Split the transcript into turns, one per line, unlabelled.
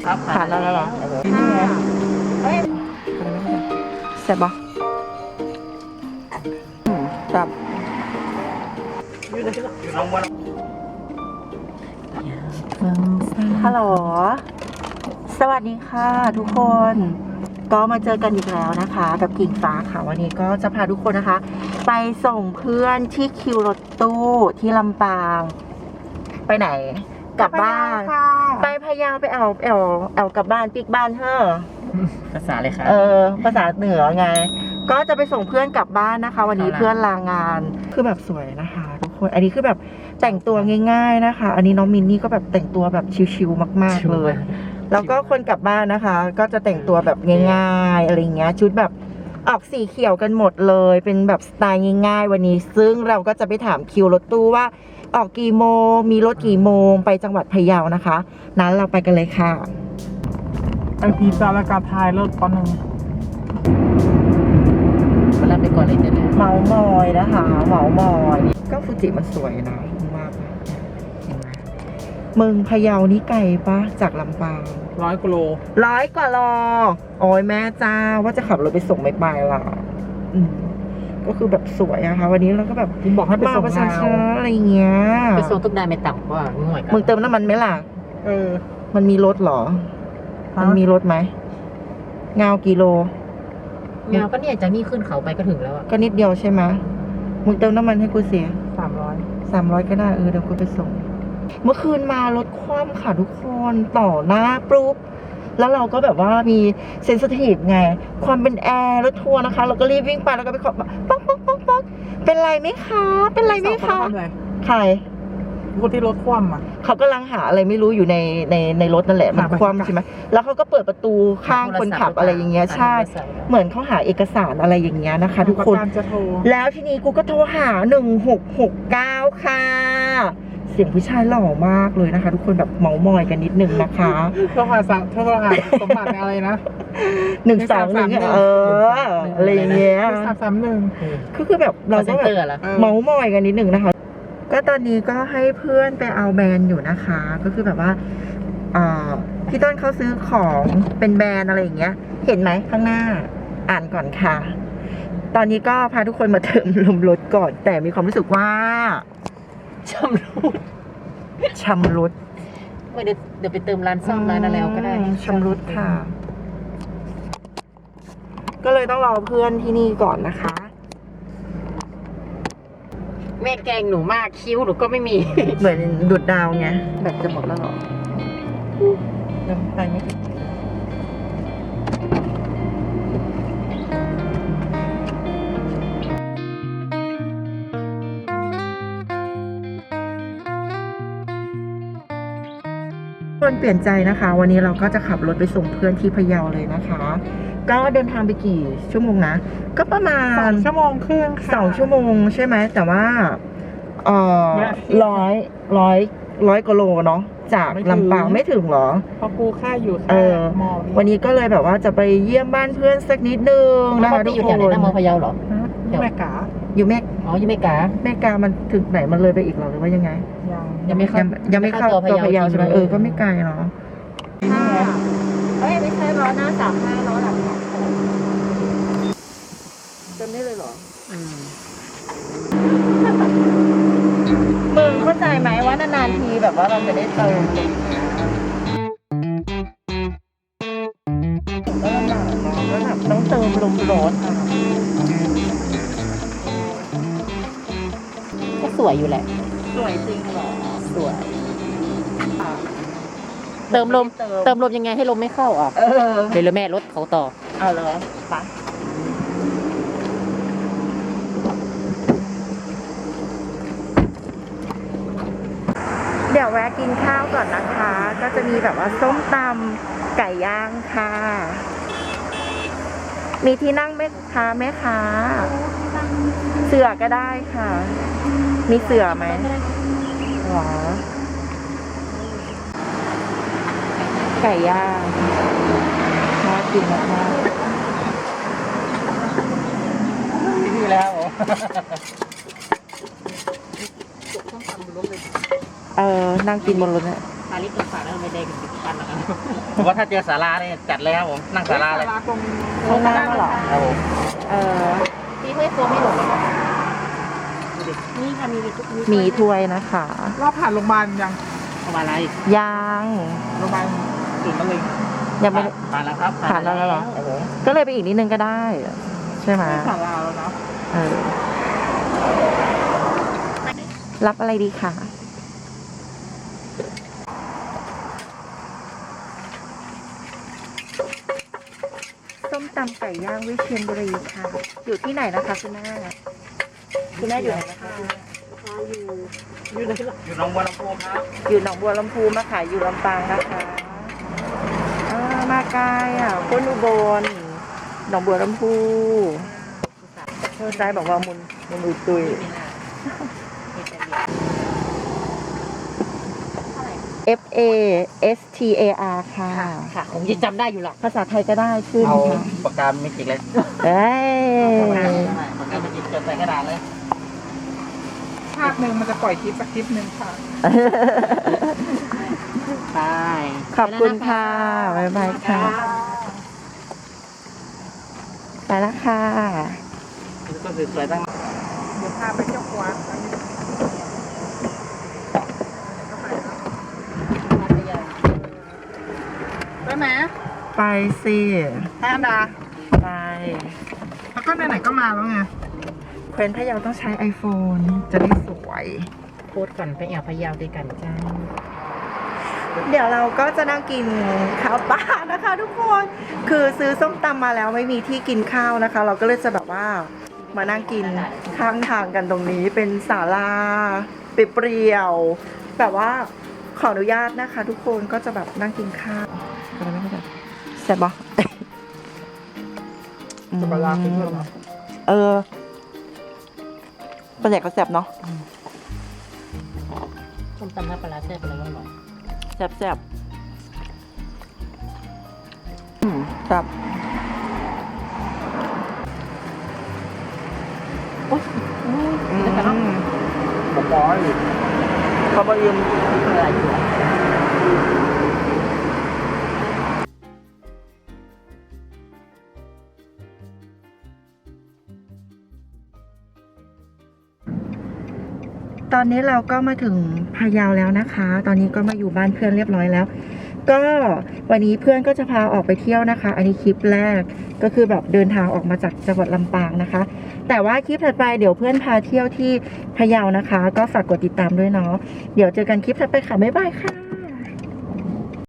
ผ่านแล้วเหรอแซ่บปะแบบฮัลโหลสวัสดีค่ะทุกคนก็มาเจอกันอีกแล้วนะคะกับกิ่งฟ้าค่ะวันนี้ก็จะพาทุกคนนะคะ ไปส่งเพื่อนที่คิวรถตู้ที่ลำปางไปไหนกลับบ้านไปพะเยาไปเอากลับบ้านปิกบ้านเธอ
ภาษาเลยค่ะ
ภาษาเหนือไงก็จะไปส่งเพื่อนกลับบ้านนะคะวันนี้เพื่อนลางานคือแบบสวยนะคะทุกคนอันนี้คือแบบแต่งตัวง่ายๆนะคะอันนี้น้องมินนี่ก็แบบแต่งตัวแบบชิวๆมากๆเลยแล้วก็คนกลับบ้านนะคะก็จะแต่งตัวแบบง่ายๆอะไรเงี้ยชุดแบบออกสีเขียวกันหมดเลยเป็นแบบสไตล์ง่ายๆวันนี้ซึ่งเราก็จะไปถามคิวรถตู้ว่าออกกี่โมงมีรถกี่โมงไปจังหวัดพะเยานะคะนั้นเราไปกันเลยค่ะ
ไอพีซาและกาทายเลิศปะหนึ่ง
มารับไปก่อนเลยเนี่ย
เมามอยนะคะเมามอยก็ฟูจิมันสวยนะมากเมืองพะเยานี่ไกลปะจากลำปาง
100 กิโล
100 กว่าโลโอ้ยแม่จ้าว่าจะขับรถไปส่งไม่ไปล่ะก็คือแบบสวยอะค่ะวันนี้เราก็แบบ
บอกให้ไปส่ง
ประชาชนอะไรเงี้ย
ไปส่งทุกได้ไม่ต่ำกว่าหน่วย
มึงเติมน้ำมันไหมล่ะมันมีรถหรอมันมีรถไหมเงากิโล
เงาก็เนี่ยจากนี่ขึ้นเขาไปก็ถึงแล้วอะ
ก็นิดเดียวใช่ไหมมึงเติมน้ำมันให้กูเสีย300ก็ได้เดี๋ยวกูไปส่งเมื่อคืนมารถคว่ำค่ะทุกคนต่อหน้าปุ๊บแล้วเราก็แบบว่ามีเซนซิทีฟไงความเป็นแอร์รถทัวร์นะคะเราก็รีบวิ่งไปแล้วก็ไปขอป๊อกเป็นไรไหมคะเป็นไรไหมคะใคร
คนที่รถคว่ำอ่ะ
เขากำลังหาอะไรไม่รู้อยู่ในรถนั่นแหละมันคว่ำใช่ไหมแล้วเขาก็เปิดประตูข้างคนขับอะไรอย่างเงี้ยใช่เหมือนเขาหาเอกสารอะไรอย่างเงี้ยนะคะทุกคนแล้วทีนี้กูก็โทรหา1669ค่ะเสียงผู้ชายหล่อมากเลยนะคะทุกคนแบบเมามอยกันนิดนึงนะคะ
โทรหาสมบัติอะไรนะ
121อะไรอย่างเงี้ย
331
คือแบบเราก็แบบเมามอยกันนิดนึงนะคะก็ตอนนี้ก็ให้เพื่อนไปเอาแบรนด์อยู่นะคะก็คือแบบว่าพี่ต้นเขาซื้อของเป็นแบรนด์อะไรอย่างเงี้ยเห็นไหมข้างหน้าอ่านก่อนค่ะตอนนี้ก็พาทุกคนมาเติมลมรถก่อนแต่มีความรู้สึกว่าชำรุด
ไม่เดี๋ยวไปเติมร้านซ่อมร้านอะไรก็ได้
ชำรุดค่ะก็เลยต้องรอเพื่อนที่นี่ก่อนนะคะ
แม่แกงหนูมากคิ้วหนูก็ไม่มี
เหมือนดูดดาวไงแบบจะหมดแล้วหรอยังไปไม่ถึงคนเปลี่ยนใจนะคะวันนี้เราก็จะขับรถไปส่งเพื่อนที่พะเยาเลยนะคะก็เดินทางไปกี่ชั่วโมงนะก็ประมาณ
2 ชั่วโมงครึ่งค่ะ
2 ชั่วโมงใช่ไหมแต่ว่าร้อยกว่าโลเนาะจากลำปางไม่ถึงหรอ
เพราะกูค่าอยู่
วันนี้ก็เลยแบบว่าจะไปเยี่ยมบ้านเพื่อนสักนิดนึงนะคะทุกคน
อยู่แถวไหนนะมอพะเยาหรอ
อยู่แม่กา
อยู่แม่
อยู่แม่
กามันถึงไหนมันเลยไปอีกหรอหรือว่ายังไง
ยังไม่
เข้าตัวพะเยาใช่ไหมก็ไม่ไกลเนาะไม่ใช่ล้อหน้า35ล้อหลังจำได้เลยเหรอมึงเข้าใจไหมว่านานๆทีแบบว่าเราจะได้เติมก็ลำบากเนาะก็แบบต้องเติมลมรถ
ก็สวยอยู่แหละ
สวยจริงเหรอ
สวยเติมลมยังไงให้ลมไม่เข้าอ่ะเดี๋ยวแม่รถเขาต่อ
เอาเลยไปเดี๋ยวแวะกินข้าวก่อนนะคะก็จะมีแบบว่าส้มตำไก่ย่างค่ะมีที่นั่งไหมคะแม่ค้าเสื่อก็ได้ค่ะมีเสื่อไหมหรอไก่ย่างน่ากินมาก
ดีแล้ว
นั่งกินบนรถเนี่ย
าลิกกับฝาแล้วไม่ได้กันติดกันนะครับ
ผมว่าถ้าเจอศาลาเนี่ยจัดเลยครับผมนั่งศาลาเลย
ตรง
ข้างหน้าเหรอ
ครับผม
พี่เพื่อนโฟมไม่หลงนี่ค่ะมีทุก
มีถ้วยนะคะ
รอบผ่านโรงพยาบาลยัง
เอามาอะไร
ยัง
โรงพยาบาลศูนย์มะเร็ง
ยังไม่ได้
ผ่านแล้วครับ
ผ่านแล้วเหรอ
ครับผม
ก็เลยไปอีกนิดนึงก็ได้ ใช่ไหม
ไม่ผ่านลาวแล้วเนาะ
เออรับอะไรดีคะส้มตำไก่ย่างวิเชียรบุรีค่ะ อยู่ที่ไหนนะคะคุณแม่คุณแม่อยู่ไหนนะคะ
อยู่หนองบัวลำพูครับ
อยู่หนองบัวลำพูมาขายอยู่ลำปางนะคะมาไกลคนอุบลหนองบัวลำพูโทษได้บอกว่ามุนอุยตุย FASTAR ค่ะ
ค่ะผมจะจำได้อยู่หรอก
ภาษาไทยก็ได้ขึ้น
เอา
ค่ะ
ปากกาไม่จิกเลย
เอ้ย
ปากกาไม่จิกจดใส่กระดาษเลย
ภาคหนึ่งมันจะปล่อยคลิปสักคลิปหนึ่งค่ะ
ไป
ขอบคุณค่ะ บ๊ายบายค่ะ ไปแล้วค่ะ
ก็สวยๆตั้ง
เดี๋ยวพาไปเที่ยวกวางไปไหม
ไปสิ
ให้อันดา
ไป
แล้วก็ไหนๆก็มาแล้วไง
เคว้นพะเยาต้องใช้ iPhone จะได้สวย
โคตรก่อนไปแอวพะเยาด้วยกันจ้า
เดี๋ยวเราก็จะนั่งกินข้าวปลานะคะทุกคน คือซื้อส้มตำมาแล้วไม่มีที่กินข้าวนะคะ เราก็เลยจะแบบว่ามานั่งกินข้างทางกันตรงนี้เป็นศาลาเปรียวๆแบบว่าขออนุญาตนะคะ ทุกคนก็จะแบบนั่งกินข้าวอะไรไม่เข้าใจแซ่บปะ
จะมาลาคุณเพื่อนเหรอ
เออเป็นใหญ่ก็แซ่บเนาะ
ส้มตำน้ำปลาร้าแซ่บอะไรบ้างหรอ
แซ่บแซ่บแซ่บโอ๊ยแล้วกันเนาะ
บอกร้อย
ขอบยืม
อะไรอยู่
ตอนนี้เราก็มาถึงพะเยาแล้วนะคะ ตอนนี้ก็มาอยู่บ้านเพื่อนเรียบร้อยแล้ว ก็วันนี้เพื่อนก็จะพาออกไปเที่ยวนะคะ อันนี้คลิปแรกก็คือแบบเดินทางออกมาจากจังหวัดลำปางนะคะ แต่ว่าคลิปถัดไปเดี๋ยวเพื่อนพาเที่ยวที่พะเยานะคะ ก็ฝากกดติดตามด้วยเนาะ เดี๋ยวเจอกันคลิปถัดไปค่ะ บ๊ายบายค่ะ